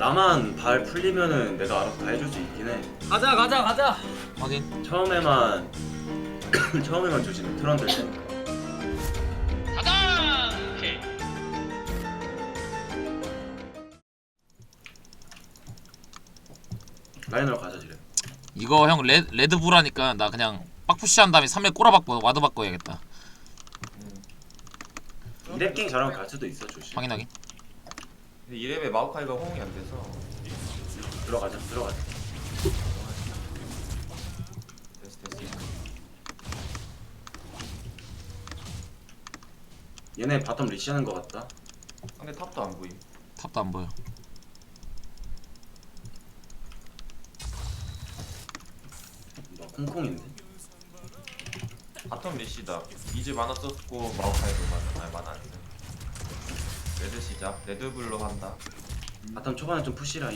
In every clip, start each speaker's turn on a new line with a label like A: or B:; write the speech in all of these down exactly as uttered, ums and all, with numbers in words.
A: 나만 발 풀리면은 내가 알아서 다 해줄 수 있긴 해.
B: 가자 가자 가자.
C: 확인.
A: 처음에만 처음에만 조심해. 트런들 때니까.
B: 가자. 오케이.
A: 라인으로 가자 지금.
C: 이거 형 레, 레드불 하니까 나 그냥 빡푸시한 다음에 삼 렙 꼬라박고 와드 바꿔야겠다.
A: 이랩 갱 잘하면 갈 수도 있어. 조심.
C: 확인 확인.
D: 근데 이랩에 마오카이가 호응이 안 돼서.
A: 들어가자. 들어가자.
D: 됐어 됐어.
A: 얘네 바텀 리시하는 것 같다.
D: 상대 탑도 안 보임.
C: 탑도 안 보여.
A: 뭐 콩콩인데.
D: 바텀 리시다. 이즈 만화 썼고 마오카이도 만화 아니 만화 안 돼. 레드 시작. 레드블로 한다.
A: 바텀 초반에 좀 푸시 라인.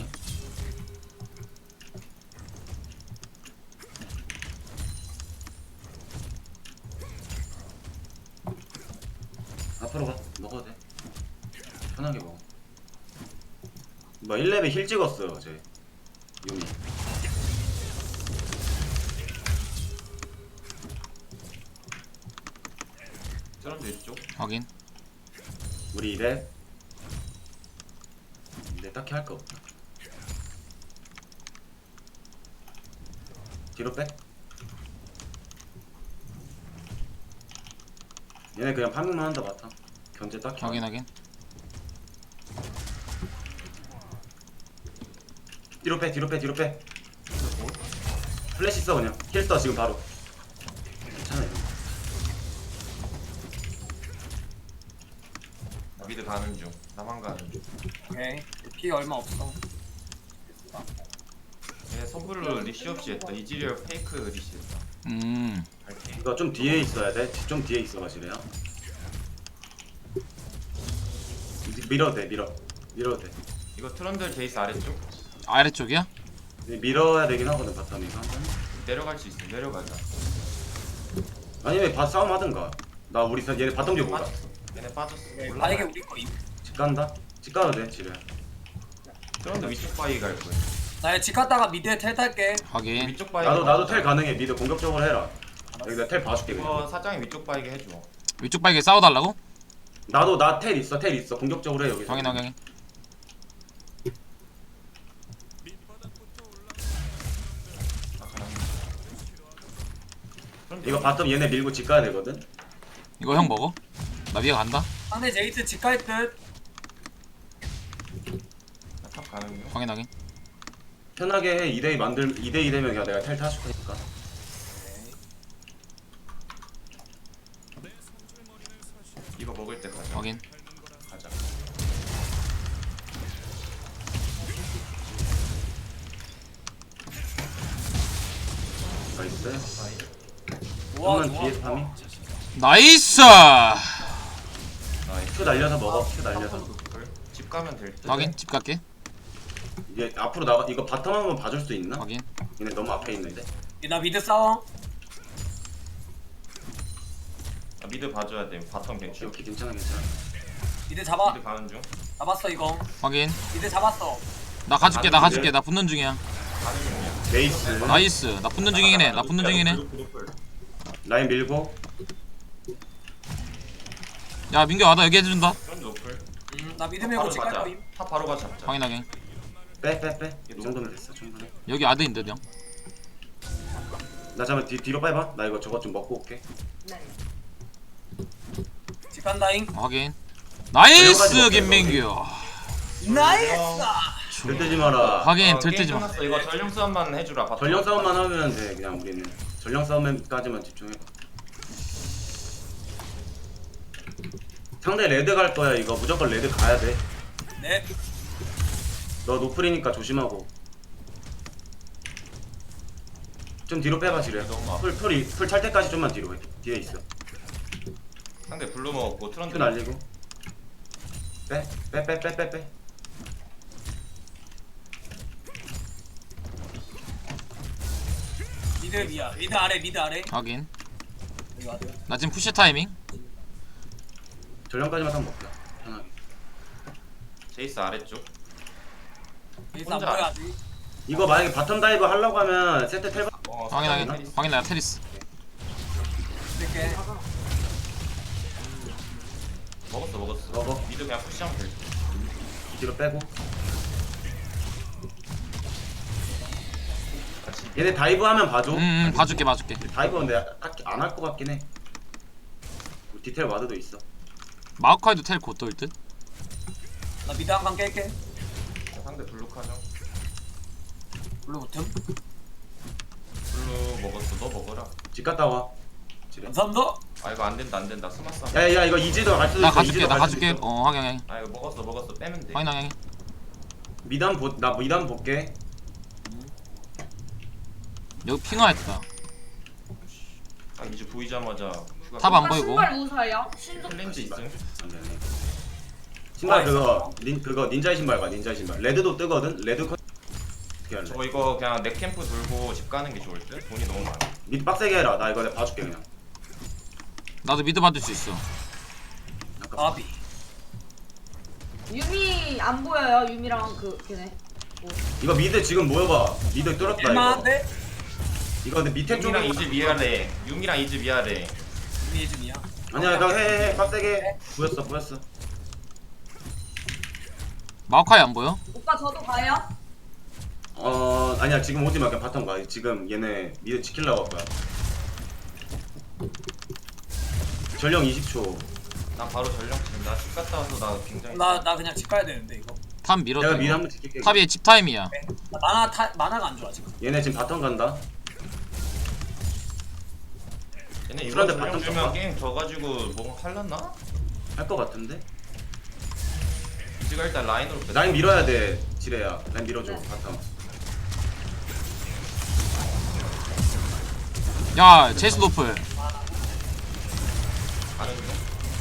A: 앞으로 가. 먹어도 돼. 편하게 먹어. 뭐 일 렙에 힐 찍었어요 어제. 유미.
D: 트런드 이쪽.
C: 확인.
A: 우리 이 렙. 근데 딱히 할 거 없다. 뒤로 빼. 얘네 그냥 파밍만 한다 바텀. 견제 딱히.
C: 확인 확인.
A: 뒤로 빼 뒤로 빼 뒤로 빼. 플래시 써 그냥. 힐 써 지금 바로. 괜찮아 이거.
D: 나 미드 가는 중. 나만 가는 중.
B: 오케이. 피 얼마 없어.
D: 얘네 선불로 리시 없이 했다. 이즈리얼 페이크 리시 했다.
C: 음.
D: 갈게.
A: 이거 좀 뒤에 있어야 돼. 좀 뒤에 있어 가시래요. 밀어도 돼 밀어. 밀어도 돼.
D: 이거 트런들 제이스 아래쪽.
C: 아래쪽이야?
A: 밀어야 되긴 하거든 바텀 이거.
D: 내려갈 수 있어. 내려가자.
A: 아니면 바 싸움 하든가. 나 우리 사- 얘네 바텀 좀 보자.
D: 빠졌어. 얘네 빠졌어.
B: 만약에 우리 거임.
A: 집 간다. 집 가도 돼 지뢰.
D: 트런드 위쪽 바위 갈 거야.
B: 나 집 갔다가 미드에 텔 탈게.
C: 확인.
D: 위쪽 바위.
A: 나도 나도 텔 가능해. 미드 공격적으로 해라. 여기 내가 텔 봐줄게
D: 이거
A: 그냥.
D: 사장이 위쪽 바위게 해줘.
C: 위쪽 발게 싸워달라고?
A: 나도 나 텔 있어 텔 있어. 공격적으로 해 여기서.
C: 확인 확인.
A: 이거 바텀 얘네 밀고 집 가야 되거든.
C: 이거 형 먹어? 나 위에 간다.
B: 상대 제이스 집 갈 듯.
D: 탑 가는 중.
C: 확인 확인.
A: 편하게 해. 이 대 이 만들 이 대 이 되면 그냥 내가 텔 타줄 테니까.
D: 이거 먹을 때 가자.
C: 확인.
D: 가자.
A: 나이스.
B: 좋아
A: 한번
B: 좋아.
A: 뒤에서 파밍.
C: 나이스.
D: 나이스.
A: 큐 날려서 먹어. 큐 날려서.
D: 집 가면 될 듯.
C: 확인. 집 갈게.
A: 이게 앞으로 나가. 이거 바텀 한번 봐줄 수 있나?
C: 확인.
A: 얘네 너무 앞에 있는데.
B: 나 미드 싸워.
D: 아, 미드 봐줘야 돼. 바텀 괜찮.
A: 오케이 괜찮아 괜찮아.
B: 미드 잡아.
D: 미드 가는 중.
B: 잡았어 이거.
C: 확인.
B: 미드 잡았어.
C: 나 가줄게 나 가줄게. 나 붙는 중이야.
D: 가는 중이야.
A: 레이스.
C: 나이스. 나 붙는 중이긴 해. 나 붙는 중이긴 해.
A: 라인 밀고.
C: 야 민규 와나 여기 해준다.
D: 트런드 노플.
B: 음, 나 미드 밀고
D: 바로
B: 집 갈
D: 가자.
B: 거임.
D: 탑 바로 가자. 잡자.
C: 확인 확인.
A: 빼 빼 빼. 이 정도면 됐어 충분해.
C: 여기 아드인데 형.
A: 나 잠깐 뒤 뒤로 빼봐. 나 이거 저것 좀 먹고 올게.
B: 집 간다잉.
C: 확인. 나이스 김민규.
B: 나이스.
A: 들뜨지 마라.
C: 확인.
D: 어, 게임
C: 들뜨지 마.
D: 끝났어. 이거 전령 싸움만 해주라. 바텀.
A: 전령 싸움만 하면 돼. 그냥 우리는 전령 싸움까지만 집중해. 상대 레드 갈 거야. 이거 무조건 레드 가야 돼.
B: 네.
A: 너 노플이니까 조심하고. 좀 뒤로 빼봐 지뢰.
D: 너무 아파.
A: 풀풀이 풀 찰 때까지 좀만 뒤로 해. 뒤에 있어.
D: 상대 블루 먹었고 트런드.
A: 큐 날리고. 빼 빼 빼 빼 빼 빼.
B: 미드 위야. 미드 아래 미드 아래.
C: 확인.
B: 여기 와드.
C: 나 지금 푸시 타이밍.
A: 전령까지만 딱 먹자. 편하게.
D: 제이스 아래쪽.
B: 여기서 안
D: 혼자
B: 보여
D: 안-
B: 아직.
A: 이거 만약에 바텀 다이브 하려고 하면 세트 텔
D: 어,
C: 확인 확인
D: 테리스.
C: 확인 나 테리스.
B: 이렇게.
D: 먹었어 먹었어.
A: 먹어.
D: 미드 그냥 푸시하면 될 듯.
A: 뒤로 빼고.
D: 같이.
A: 얘네 다이브 하면 봐줘.
C: 음, 음 봐줄게 봐줄게.
A: 다이브 근데 딱히 안 할 것 같긴 해. 디테일 와드도 있어.
C: 마오카이도 텔 곧 돌 듯.
B: 나 미드 한 칸 깰게.
D: 상대 블루카죠.
B: 블루 버튼.
D: 블루 먹었어. 너 먹어라.
A: 집 갔다 와. 지뢰.
B: 감사합니다.
D: 아 이거 안 된다 안 된다. 스마스.
A: 야야 이거 이지도 갈 수도
C: 나
A: 있어.
C: 가줄게
A: 이지도
C: 나
A: 갈 수도
C: 가줄게.
A: 있어.
C: 어 확인 확인
D: 아 이거 먹었어 먹었어. 빼면 돼.
C: 확인 확인.
A: 미담 보나 미담 볼게.
C: 여기 핑화했다.
D: 아 이제 보이자마자 휴가.
C: 탑 안
E: 오빠
C: 보이고.
E: 신발 무사예요? 신속
D: 클렌즈 있음.
A: 안 되네. 신발 그거 닌 그거 닌자 신발 봐 닌자 신발. 레드도 뜨거든. 레드 컨 어떻게 할래?
D: 저 이거 그냥 내 캠프 돌고 집 가는 게 좋을 듯. 돈이 너무 많아.
A: 밑 빡세게 해라. 나 이거 내가 봐줄게 그냥.
C: 나도 미드 받을 수 있어.
A: 아까
B: 아비.
E: 유미 안 보여요? 유미랑 그 걔네. 뭐.
A: 이거 미드 지금 모여봐. 미드 뚫었다 이거.
B: 일만한데?
A: 이거 근데 밑에 쪽에
D: 유미랑 이즈 위아래. 유미랑 이즈 위아래.
B: 유미 예준이야.
A: 아니야 이거 해해 빡세게. 보였어 보였어.
C: 마오카이 안 보여?
E: 오빠 저도 가요?
A: 어 아니야 지금 오지 마 그냥 바텀 가. 지금 얘네 미드 지키려고 할 거야. 전령 이십 초.
D: 난 바로 전령 지금 나집 갔다 와서 나 굉장히.
B: 나 나 그냥 집 가야 되는데 이거.
C: 탑 밀었다.
A: 내가 미드
C: 이거.
A: 한번 지킬게.
C: 탑이 집 타임이야.
B: 나 만화 타 만화가 안 좋아 지금.
A: 얘네 지금 바텀 간다.
D: 얘네 이번
A: 그런데
D: 전령
A: 바텀
D: 주면
A: 쳤다?
D: 게임 져가지고 뭐 할랐나?
A: 할 것 같은데.
D: 이즈가 일단 라인으로 뺐어.
A: 라인 밀어야 돼 지레야. 라인 밀어줘
E: 네.
A: 바텀.
C: 야 제이스 노플.
D: 가는 중.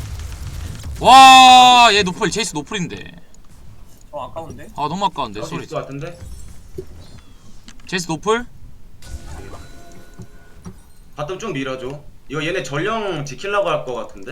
C: 와, 얘 노플, 제이스 노플인데.
B: 어 아까운데?
C: 아, 너무 아까운데,
A: 할수
C: 소리.
A: 있을 것 같은데.
C: 제이스 노플?
A: 바텀 좀 밀어줘. 이거 얘네 전령 지키려고 할 것 같은데.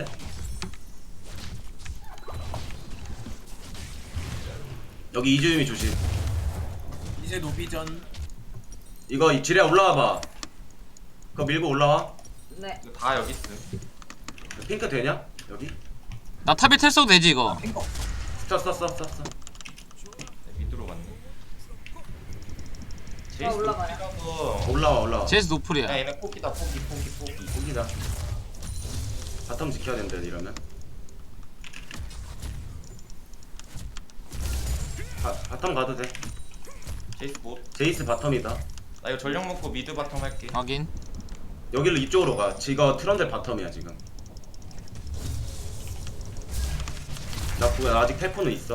A: 여기 이주임이 조심.
B: 이제 노비전.
A: 이거 이 지레야 올라와봐. 그거 밀고 올라와.
E: 네.
D: 이거 다 여기 있음.
A: 핑크 되냐? 여기?
C: 나 탑에 텔 써도 되지, 이거.
B: 핑거.
A: 썼어 썼어 썼어.
D: 네, 밑으로 갔네.
E: 아,
D: 제이스
E: 올라가요.
D: 높이라서.
A: 올라와 올라와.
C: 제이스
D: 야
C: 노플이야.
D: 얘네 포기다 포기 포기 포기.
A: 여기다. 바텀 지켜야 된다 이러면. 바, 바텀 가도 돼.
D: 제이스 못.
A: 제이스 바텀이다.
D: 나 이거 전령 먹고 미드 바텀 할게.
C: 확인.
A: 여기로 이쪽으로 가. 지가 트런들 바텀이야 지금. 나 그거 아직 텔포는 있어.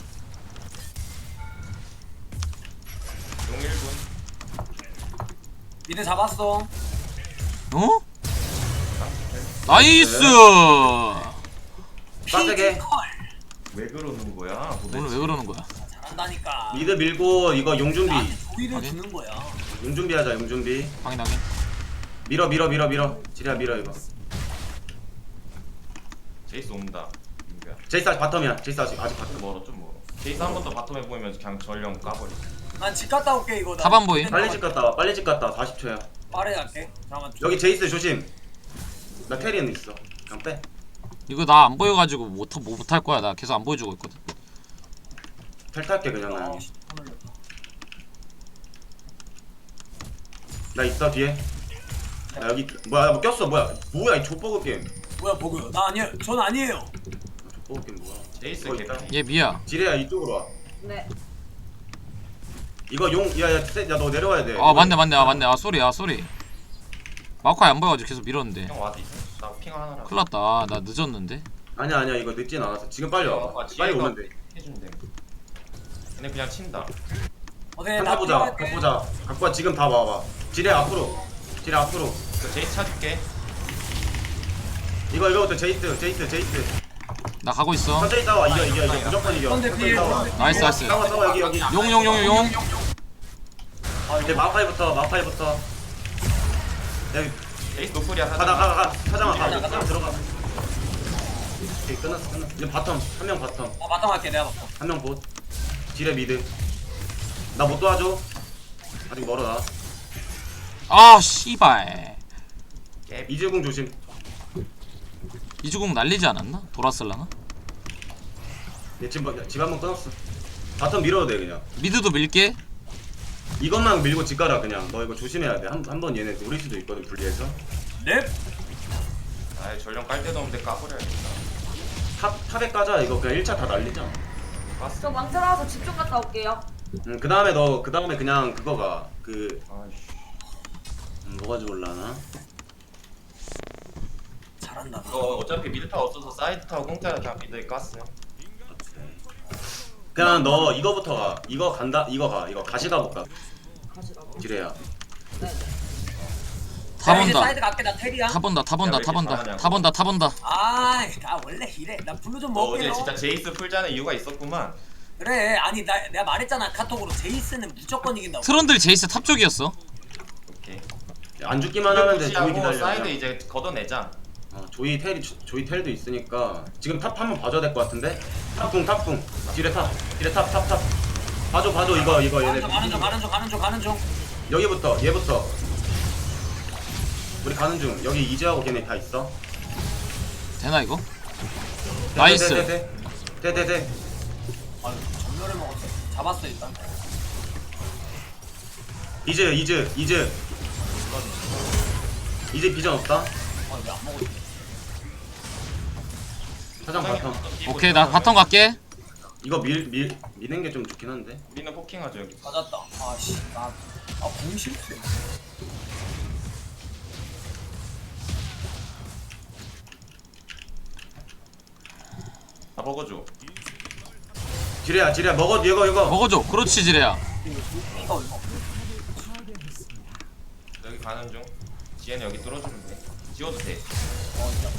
D: 용 일 분.
B: 미드 잡았어.
C: 어? 나이스!
A: 빡세게.
B: 피지컬.
D: 왜 그러는 거야? 도대체?
C: 오늘 왜 그러는 거야?
B: 잘한다니까.
A: 미드 밀고 이거 용 준비.
B: 나한테 조이를
C: 확인.
B: 주는 거야.
A: 용 준비하자 용 준비.
C: 확인, 확인.
A: 밀어 밀어 밀어 밀어. 지레야 밀어 이거.
D: 제이스 온다. 민규야.
A: 제이스 아직 바텀이야. 제이스 아직 아직
D: 좀
A: 바텀.
D: 멀어 좀 멀어. 제이스 한 번 더 바텀에 보이면 그냥 전령 까버려.
B: 난 집 갔다 올게 이거. 나
C: 탑 안 보임?
A: 빨리 집 갔다 와. 빨리 집 갔다 와. 사십 초야.
B: 빠르게 갈게. 잠깐만.
A: 여기 제이스 조심. 나 테리는 있어. 그냥 빼.
C: 이거 나 안 보여가지고 못, 못, 못할 거야. 나 계속 안 보여주고 있거든.
A: 텔 탈게 그냥 나.
B: 어, 씨, 손 올렸다.
A: 나 있어 뒤에. 나 여기 뭐야 나뭐 꼈어 뭐야 뭐야 이 족보그 게임.
B: 뭐야 보고요. 나 아니에요. 전 아니에요.
A: 족보그 게임 뭐야?
D: 제이스
A: 이거
D: 개피.
A: 있다.
C: 얘 미야.
A: 지레야 이쪽으로 와.
E: 네.
A: 이거 용 야야 야너 내려와야 돼.
C: 아, 맞네, 맞네, 아, 맞네. 아, 쏘리, 아, 쏘리. 마오카이 안 보여가지고 계속 밀었는데.
D: 형 와드 있어? 나 핑 하나라.
C: 큰일 났다. 아, 나 늦었는데.
A: 아니야 아니야 이거 늦진 않았어. 지금 빨리 와봐. 빨리 오면 돼.
D: 해준대. 얘네 그냥 친다.
B: 어제
A: 한타
B: 나
A: 보자.
B: 필요할게.
A: 갖고 보자. 갖고 와 지금 다 와봐. 지레 앞으로. 지레 앞으로.
D: 그 제이스 찾을게.
A: 이거 이거부터 제이스 제이스 제이스.
C: 나 가고 있어.
A: 천천히 싸워. 이겨 이겨 이겨. 무조건 이겨.
B: 근데
A: 천천히
B: 뒤에
A: 싸워.
C: 나이스, 나이스.
A: 싸워 싸워 여기 여기.
C: 용, 용, 용, 용.
B: 아,
A: 이제
B: 이거
A: 마파이부터 마파이부터. 여기
D: 제이스 노플이야
A: 가다
D: 사장.
A: 가가 가. 사장아 가.
B: 가자, 가자.
A: 들어가. 오케이 끝났어 끝났어. 이제 바텀 한 명 바텀
B: 나 바텀 할게. 내가 바텀.
A: 한 명 봇. 지레 미드. 나 못 도와줘. 아직 멀어 나.
C: 아 씨발.
A: 이즈궁 조심.
C: 이주공 날리지 않았나? 돌았을라나?
A: 얘 지금 집 한번 끊었어. 바텀 밀어도 돼 그냥.
C: 미드도 밀게.
A: 이것만 밀고 집 가라 그냥. 너 이거 조심해야 돼. 한 한 번 얘네 노릴 수도 있거든 분리해서.
B: 넵.
D: 아예 전령 깔 데도 없는데 까버려야겠다.
A: 탑 탑에 까자. 이거 그냥 일 차 다 날리자.
D: 깠어.
E: 저 망치 나와서 집 좀 갔다 올게요.
A: 응, 그 다음에 너, 그 다음에 그냥 그거가, 그,
D: 아이씨.
A: 음, 뭐가 좋을라나?
B: 잘한다.
D: 이거 어차피 미드 타워 없어서 사이드 타워 공짜라 그냥 미드에 깠어요.
A: 그냥 너 이거부터 가. 이거 간다, 이거 가. 이거 가시 가볼까?
E: 가시라고.
A: 지레야.
E: 네네.
C: 타
B: 야, 이제
C: 본다.
B: 사이드 갈게 나 텔이야.
C: 타 본다. 타 본다.
D: 야, 왜
C: 타
D: 이렇게
C: 본다.
D: 잘하냐고.
C: 타 본다. 타 본다.
B: 아이 나 원래 이래. 나 블루 좀
D: 너 어제
B: 먹게요.
D: 진짜 제이스 풀자는 이유가 있었구만.
B: 그래 아니 나 내가 말했잖아 카톡으로 제이스는 무조건 이긴다고.
C: 트런들 제이스 탑 쪽이었어.
D: 오케이.
A: 안 죽기만 하면 돼. 조이
D: 푸시하고
A: 기다려.
D: 사이드
A: 그냥.
D: 이제 걷어내자.
A: 어, 조이 텔이, 조- 조이 텔도 있으니까. 지금 탑 한번 봐줘야 될 것 같은데? 탑궁, 탑궁. 지레 탑. 지레 탑, 탑, 탑. 봐줘, 봐줘. 이거, 이거 얘네.
B: 가는 중 가는 중 가는 중 가는 중 가는 중.
A: 여기부터, 얘부터. 우리 가는 중. 여기 이즈하고 걔네 다 있어.
C: 되나 이거?
A: 돼,
C: 나이스.
A: 돼, 돼, 돼. 돼, 돼, 돼.
B: 아 전멸을 먹었어. 잡았어 일단.
A: 이즈, 이즈, 이즈. 이즈 비전 없다.
B: 아왜 안 먹었지?
A: 사장 바텀.
C: 오케이 나 바텀 갈게.
A: 이거 밀, 밀, 미는 게 좀 좋긴 한데.
D: 우리는 포킹하죠 여기.
B: 맞았다. 아씨 나아 공실수.
D: 다 먹어줘.
A: 지레야, 지레야. 먹어, 이거, 이거.
C: 먹어줘. 그렇지 지레야.
B: 이거 이거.
D: 여기 가는 중. 지혜는 여기 뚫어주면 돼. 지워도 돼.
B: 어 진짜.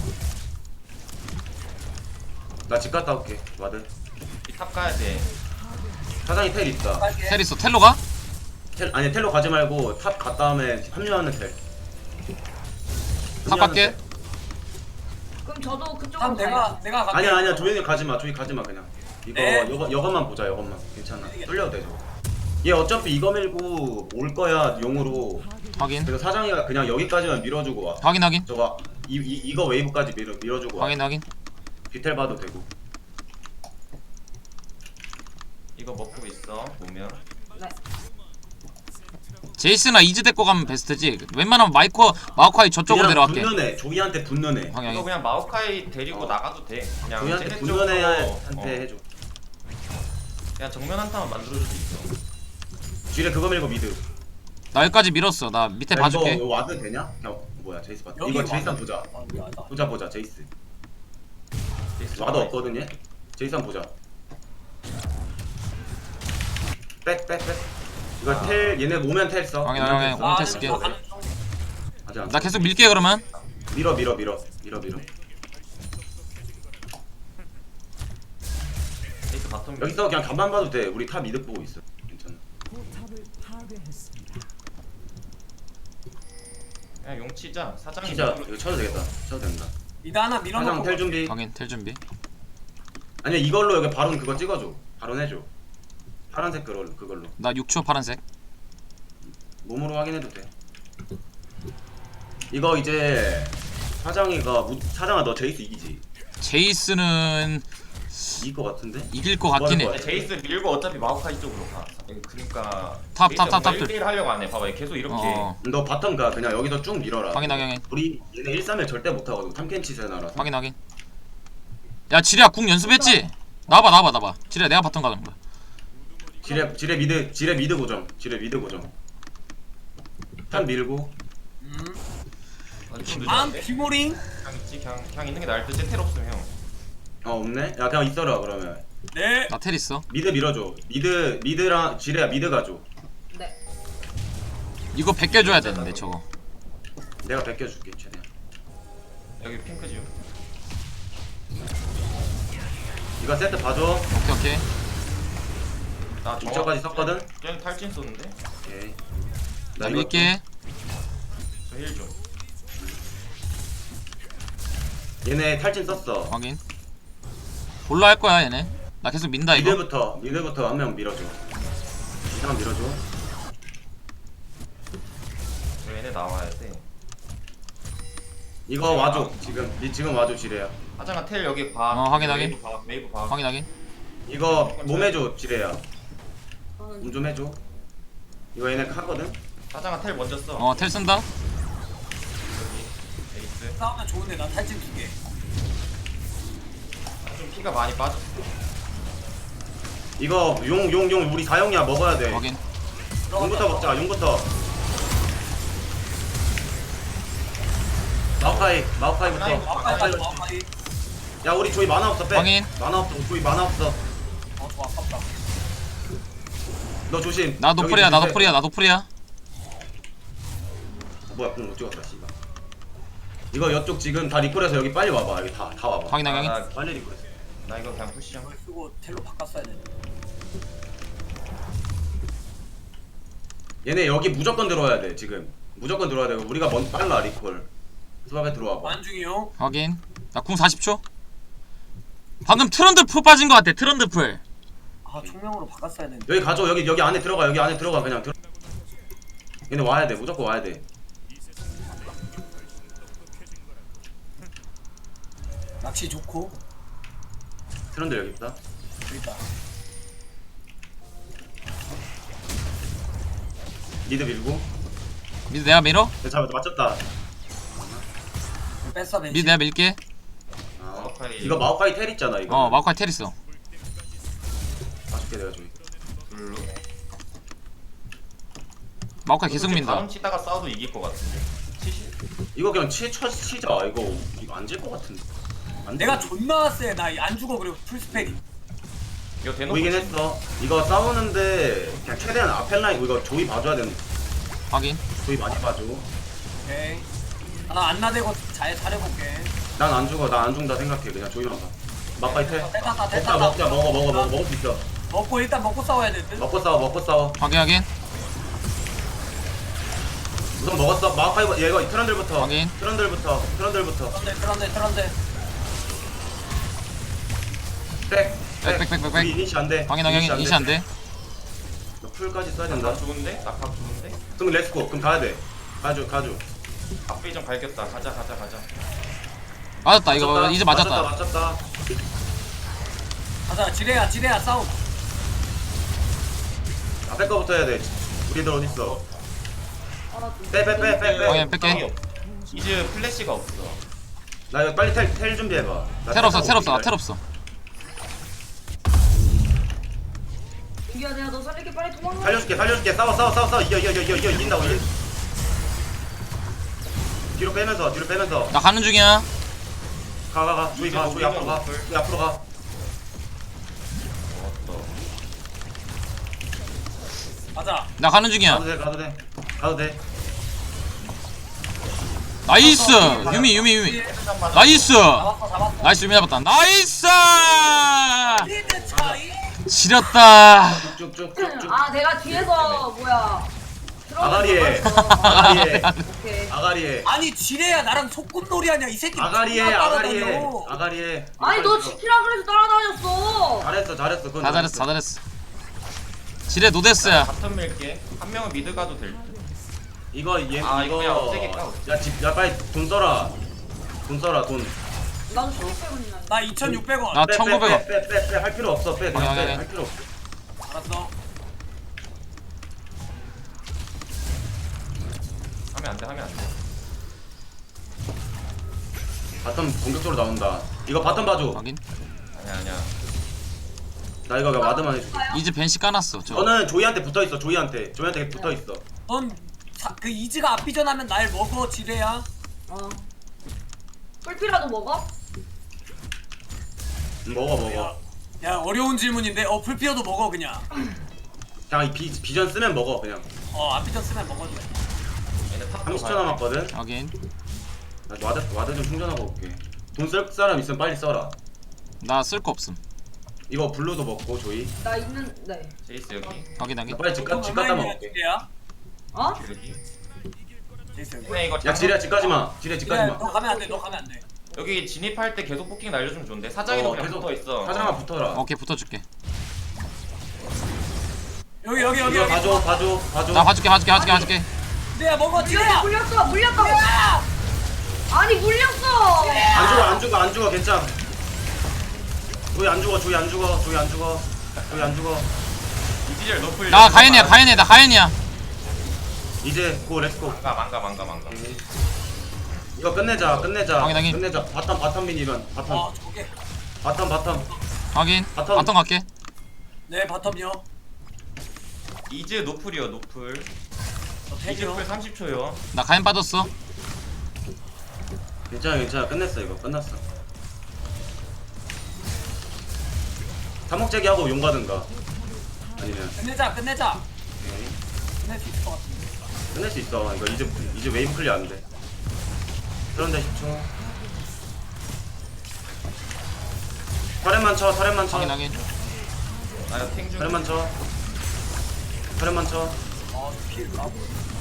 A: 나 집 갔다 올게. 와드.
D: 이 탑 가야 돼.
A: 사장이 텔 있다.
B: 빨게.
C: 텔 있어. 텔로 가?
A: 텔, 아니, 텔로 가지 말고 탑 갔다 다음에 합류하는 텔.
C: 탑 갈게.
E: 그럼 저도 그쪽으로
B: 다음
E: 가요.
B: 내가 내가 갈게.
A: 아니야, 아니야. 조용히 가지 마. 조용히 가지 마, 그냥. 이거,
B: 네.
A: 여거, 여것만 보자, 여것만. 괜찮아. 뚫려도 돼, 저거. 얘 어차피 이거 밀고 올 거야, 용으로.
C: 확인.
A: 그래서 사장이가 그냥 여기까지만 밀어주고 와.
C: 확인 확인.
A: 저거, 이, 이, 이거 웨이브까지 밀어, 밀어주고 와.
C: 확인 확인.
A: 디텔 봐도 되고.
D: 이거 먹고 있어. 보면.
E: 네.
C: 제이스나 이즈 데리고 가면 베스트지. 웬만하면 마이코 마오카이 저쪽으로
A: 그냥
C: 내려갈게.
A: 붙는 애, 조이한테 붙는 애.
C: 확인
D: 이거
C: 확인.
D: 그냥 마오카이 데리고
A: 어.
D: 나가도 돼. 그냥
A: 조이한테
D: 쟤네
A: 붙는
D: 쪽으로,
A: 애한테
D: 어,
A: 해줘.
D: 그냥 정면 한타만 만들어줄 수 있어.
A: 쥐레 그거 밀고 미드.
C: 나 여기까지 밀었어. 나 밑에
A: 야,
C: 봐줄게.
A: 이거 와드 되냐? 그냥 뭐야 제이스 봤다.
B: 여기
A: 이거 제이스
B: 와드.
A: 한 보자.
B: 아, 야, 나.
A: 보자 보자 제이스.
D: 제이스
A: 와드
D: 잡아야
A: 없거든 얘. 제이스 한 보자. 백 백 백. 이거
D: 아.
A: 텔 얘네 오면 텔 써.
C: 확인,
A: 오면
C: 확인,
A: 텔 써.
C: 오면
B: 아,
C: 텔 쓸게.
B: 나 가는 중.
A: 아직 안
C: 나
A: 써.
C: 계속 밀게 그러면.
A: 밀어 밀어 밀어 밀어 밀어.
D: 제이스 바텀
A: 여기서 그냥 간만 봐도 돼. 우리 탑 미드 보고 있어. 괜찮아.
D: 그냥 용 치자. 사장이
A: 진짜
D: 미드로-
A: 이거 쳐도 되겠다. 쳐도 된다.
B: 미드 하나
A: 사장
B: 밀어놓고.
A: 텔 준비.
C: 확인. 텔 준비.
A: 아니 이걸로 여기 바론 그거 찍어줘. 바론 해줘. 파란색 그걸로 그걸로.
C: 나 육 초 파란색.
A: 몸으로 확인해도 돼. 이거 이제 사장이가 무, 사장아 너 제이스 이기지?
C: 제이스는
A: 이길 것 같은데?
C: 이길 것 같긴
A: 뭐
C: 해.
A: 하는 거야?
D: 제이스 밀고 어차피 마오카이 쪽으로 가. 그러니까
C: 탑,
D: 제이스
C: 탑, 탑,
D: 뭔가
C: 탑.
D: 일 대일 하려고 안 해. 봐봐. 계속 이렇게.
C: 어.
A: 너 바텀 가 그냥 여기서 쭉 밀어라.
C: 확인 확인 확인.
A: 우리 얘네 일 삼 일 절대 못하거든. 탐켄치 세나라서.
C: 확인 확인. 야 지리야 궁 연습했지? 나와봐 나와봐 나와봐. 지리야 내가 바텀 가는 거야.
A: 지뢰 지뢰 미드 지뢰 미드 고정. 지뢰 미드 고정. 탑 밀고.
B: 음.
D: 아, 좀
B: 다음
D: 늦었는데?
B: 비모링.
D: 그냥 있지. 그냥 그냥 있는 게 나을 듯. 제텔 없음 형.
A: 어 없네? 야 그냥 있어라 그러면.
B: 네.
C: 나 텔 있어.
A: 미드 밀어줘. 미드 미드랑 지뢰야 미드 가줘.
E: 네.
C: 이거 벗겨줘야 되는데 저거.
A: 내가 벗겨줄게 최대한.
D: 여기 핑크지.
A: 이거 세트 봐줘.
C: 오케이 오케이.
D: 나
A: 이 초까지 썼거든?
D: 쟤 탈진 쏘는데?
A: 오케이.
C: 나
A: 이거
C: 밀게.
D: 저 힐 좀.
A: 얘네 탈진 썼어.
C: 확인. 올라 할 거야 얘네. 나 계속 민다 이거.
A: 미드부터 미드부터 한 명 밀어줘. 사람 밀어줘.
D: 얘네 나와야 돼.
A: 이거 와줘. 지금 니 지금 와줘 지뢰야.
D: 하자가 텔 여기 봐.
C: 어, 확인, 확인.
D: 웨이브 봐. 웨이브 봐.
C: 확인 확인.
A: 이거 몸 해줘 지뢰야.
E: 하는
A: 몸 좀 해줘. 이거 얘네 하거든.
D: 하자가 텔 먼저 써.
C: 어 텔 쓴다.
D: 여기 에이스.
B: 싸우면 좋은데 난 탈진 두 개.
D: 아, 좀 피가 많이 빠졌어.
A: 이거 용 용 용 우리 사용이야 먹어야 돼.
C: 확인.
A: 용부터 먹자. 용부터. 마오카이 마오카이부터.
B: 마우카이
A: 마오카이.
B: 가자 마우카이.
A: 야 우리 조이 만화 없어 빼.
C: 확인.
A: 만화 없어. 조이 만화 없어.
B: 어 좋아 아깝다.
A: 너 조심.
C: 나
A: 여기
C: 노플이야 나
A: 조심해.
C: 노플이야 나 노플이야.
A: 어, 뭐야 공못 찍었다 씨발. 이거 이쪽 지금 다 리콜해서 여기 빨리 와봐. 여기 다 다 와봐.
C: 확인
D: 아,
C: 확인.
D: 나,
A: 빨리 리콜해서.
D: 나 이거 그냥 푸시야.
B: 이걸 쓰고 텔로 바꿨어야 돼.
A: 얘네 여기 무조건 들어와야 돼 지금. 무조건 들어와야 돼. 우리가 먼 빨라 리콜. 수박에 들어와봐.
B: 만중이요.
C: 확인. 나 궁 사십 초. 방금 트런드 풀 빠진 거 같아. 트런드 풀.
B: 아 총명으로 바꿨어야 되는데.
A: 여기 가져. 여기 여기 안에 들어가. 여기 안에 들어가 그냥 들어. 얘네 와야 돼. 무조건 와야 돼.
B: 낚시 좋고.
A: 트런들 여기 있다.
B: 여기 있다.
A: 미드 밀고.
C: 미드 내가 밀어.
A: 잘 맞췄다.
B: 뺐어 벤시.
C: 미드 내가 밀게.
A: 아,
D: 마오카이.
A: 이거 마오카이 텔 있잖아 이거.
C: 어 마우카이 텔 있어.
A: 맞출게 내가 저기.
D: 블루.
C: 마우카이 계속 민다.
D: 다음 치다가 싸워도 이길 것 같은데. 치시.
A: 이거 그냥 치, 쳐, 치자. 이거 이거 안 질 것 같은데. 안
B: 내가
A: 돼.
B: 존나 세. 나 안 죽어 그리고 풀스펠이.
D: 이거 대놓고
A: 보이긴
D: 치-
A: 했어. 이거 싸우는데 그냥 최대한 앞에 라인 이거 조이 봐줘야 되는.
C: 확인.
A: 조이 많이 봐줘.
B: 오케이. 나 안나대고 잘 잘해볼게.
A: 난 안 죽어. 나 안 죽는다 생각해. 그냥 조이만 봐. 마오카이 텔.
B: 텔 탔다 텔
A: 먹자
B: 탔다.
A: 먹자 먹어 먹어 먹어 먹을 수 있어.
B: 먹고 일단 먹고 싸워야 될 듯.
A: 먹고 싸워 먹고 싸워.
C: 확인 확인.
A: 우선 먹었어. 마오카이 얘가 트런들부터.
C: 확인.
A: 트런들부터. 트런들부터.
B: 트런데 트런데 트런데.
A: 백.
C: 백, 백, 백, 백, 백.
A: 우리 이니시 안 돼.
C: 확인 확인. 이시 안 돼.
A: 너 풀까지 써야 된다.
D: 낙하 좋은데? 낙하 좋은데?
A: 그럼 렛츠고. 그럼 가야 돼. 가줘 가줘.
D: 앞에 좀 갈겼다. 가자 가자 가자.
C: 맞았다 이거 이제 맞았다.
A: 맞췄다.
B: 가자 지레야 지레야 싸움.
A: 앞에 거부터 해야 돼. 우리들 어디 있어?
E: 아,
A: 빼 빼 빼 빼 빼.
C: 확인 뺄게.
D: 이즈 플래시가 없어.
A: 나 이거 빨리 텔, 텔 준비해봐. 나
C: 텔 없어
A: 타고
C: 텔 없어 나
A: 올게.
C: 텔 없어.
E: 민규야 내가 너 살릴게 빨리 도망가.
A: 살려줄게 살려줄게. 싸워 싸워 싸워 싸워. 이겨 이겨 이겨 이겨 이긴다고 이겨. 뒤로 빼면서 뒤로 빼면서.
C: 나 가는 중이야.
A: 가 가 가. 주희 가 주희 앞으로 가. 주희 앞으로 가.
D: 어,
B: 가자.
C: 나 가는 중이야.
A: 가도 돼 가도 돼. 가도 돼.
C: 나이스. 유미 유미 유미. 나이스.
B: 잡았어 잡았어.
C: 나이스 유미 잡았다. 나이스.
B: 리드 차이.
C: 지렸다.
A: 쭉쭉쭉쭉.
E: 아 내가 뒤에서 뭐야.
A: 아가리에.
E: 들어가서
A: 아가리에.
E: 오케이.
A: 아가리에.
B: 아니 지레야 나랑 소꿉놀이 하냐 이 새끼.
A: 아가리에
B: 존나
A: 아가리에
B: 따라다녀.
A: 아가리에.
E: 아니 너 지키라 그래서 따라다녔어.
A: 잘했어 잘했어. 그건
C: 다 잘했어 다 잘했어. 지뢰 노데스야.
D: 바텀 밀게. 한 명은 미드 가도 될 듯.
A: 이거 얘
D: 아, 이거 그냥
A: 이거
D: 없애기 까, 없애기.
A: 야집야 빨리 돈 써라. 돈 써라 돈.
E: 나도 천육백 원이나.
B: 나 이천육백 원.
C: 나 천구백 원.
A: 빼빼빼빼 할 필요 없어. 빼 그냥
C: 아니, 아니,
A: 빼.
C: 아니.
A: 할 필요 없어.
B: 알았어.
D: 하면 안 돼. 하면 안 돼.
A: 바텀 공격적으로 나온다. 이거 바텀 봐줘.
C: 확인.
D: 아니야 아니야.
A: 나 이거 그냥 와드만 해줄게.
C: 이제 벤시 까놨어. 저.
A: 저는 조이한테 붙어 있어. 조이한테. 조이한테 붙어 있어.
B: 넌그 이즈가 앞비전하면 날 먹어 지레야.
E: 어. 꿀피라도 먹어?
A: 음, 먹어 먹어.
B: 야 어려운 질문인데 어 풀피어도 먹어 그냥.
A: 그냥 이 비, 비전 쓰면 먹어 그냥.
B: 어 앞비전 쓰면 먹어도 돼.
D: 얘네 탑
A: 삼십 초 남았거든.
C: 확인.
A: 나 와드 와드 좀 충전하고 올게. 돈 쓸 사람 있으면 빨리 써라.
C: 나 쓸 거 없음.
A: 이거 블루도 먹고 조이.
E: 나 있는 네.
D: 제이스 여기.
C: 확인
A: 나
C: 확인.
A: 빨리 집, 가, 집 갔다 먹을게.
B: 지레야.
E: 어?
D: 여기.
B: 제이스 여기.
D: 근데 이거
A: 야 지레야 집까지 마. 지레 집까지
B: 지레야
A: 마.
B: 너 가면 안 돼. 너 가면 안 돼.
D: 여기 진입할 때 계속 포킹 날려주면 좋은데 사장이도
A: 어,
D: 그냥
A: 계속
D: 붙어 있어.
A: 사장아 붙어라.
C: 오케이 붙어줄게.
B: 여기 여기 여기
A: 이거
B: 여기.
A: 봐줘 봐줘 봐줘.
C: 나 봐줄게 봐줄게 봐줄게 봐줄게.
B: 내가 먹어
E: 물렸어
B: 찌야.
E: 물렸어 물렸다고. 아니 물렸어.
A: 안 죽어 안 죽어 안 죽어 괜찮아. 조이 안 죽어 조이 안 죽어 조이 안 죽어 조이 안 죽어.
D: 이지젤 노플.
C: 나 가연이야 가연이야 나 가연이야.
A: 이제 고 렛츠고.
D: 망가 망가 망가 망가.
A: 이거 끝내자 끝내자
C: 당연, 당연.
A: 끝내자. 바텀 바텀 미니런 바텀
B: 아 저게.
A: 바텀 바텀.
C: 확인.
A: 바텀.
C: 바텀 갈게.
B: 네 바텀이요.
D: 이즈 노플이요 노플.
B: 저
D: 이즈
B: 탱이요.
D: 노플 삼십 초요.
C: 나 가연 빠졌어.
A: 괜찮아 괜찮아 끝냈어 이거 끝났어. 삼목재기 하고 용 가든가 아니면
B: 끝내자 끝내자.
A: 오케이.
B: 끝낼 수 있을 것 같은데.
A: 끝낼 수 있어. 이거 이제 이제 웨이브 클리어 안 돼. 그런데 십 초. 터렛만 쳐 터렛만 쳐
C: 확인 확인.
D: 나 탱중.
A: 터렛만 쳐 터렛만 쳐.
B: 아 피해 까고.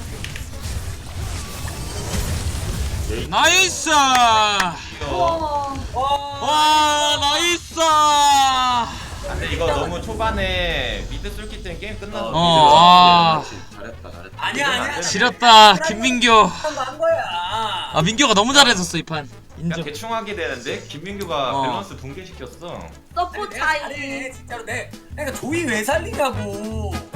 A: 네.
C: 나이스.
D: 귀여워.
E: 와.
C: 와 나이스.
D: 근데 이거 너무 초반에 미드 쏠기 때문에 게임 끝났어.
C: 어, 아.
A: 잘했다 잘했다.
B: 아니야 아니야.
C: 지렸다 김민규.
B: 한거한 거야.
C: 아 민규가 너무 잘해줬어 이 판.
D: 그냥
C: 인정.
D: 대충 하게 되는데 김민규가
C: 어.
D: 밸런스 붕괴시켰어.
E: 서포
B: 내가
E: 차이.
B: 잘해 진짜로 내. 그러니까 조이 왜 살리냐고.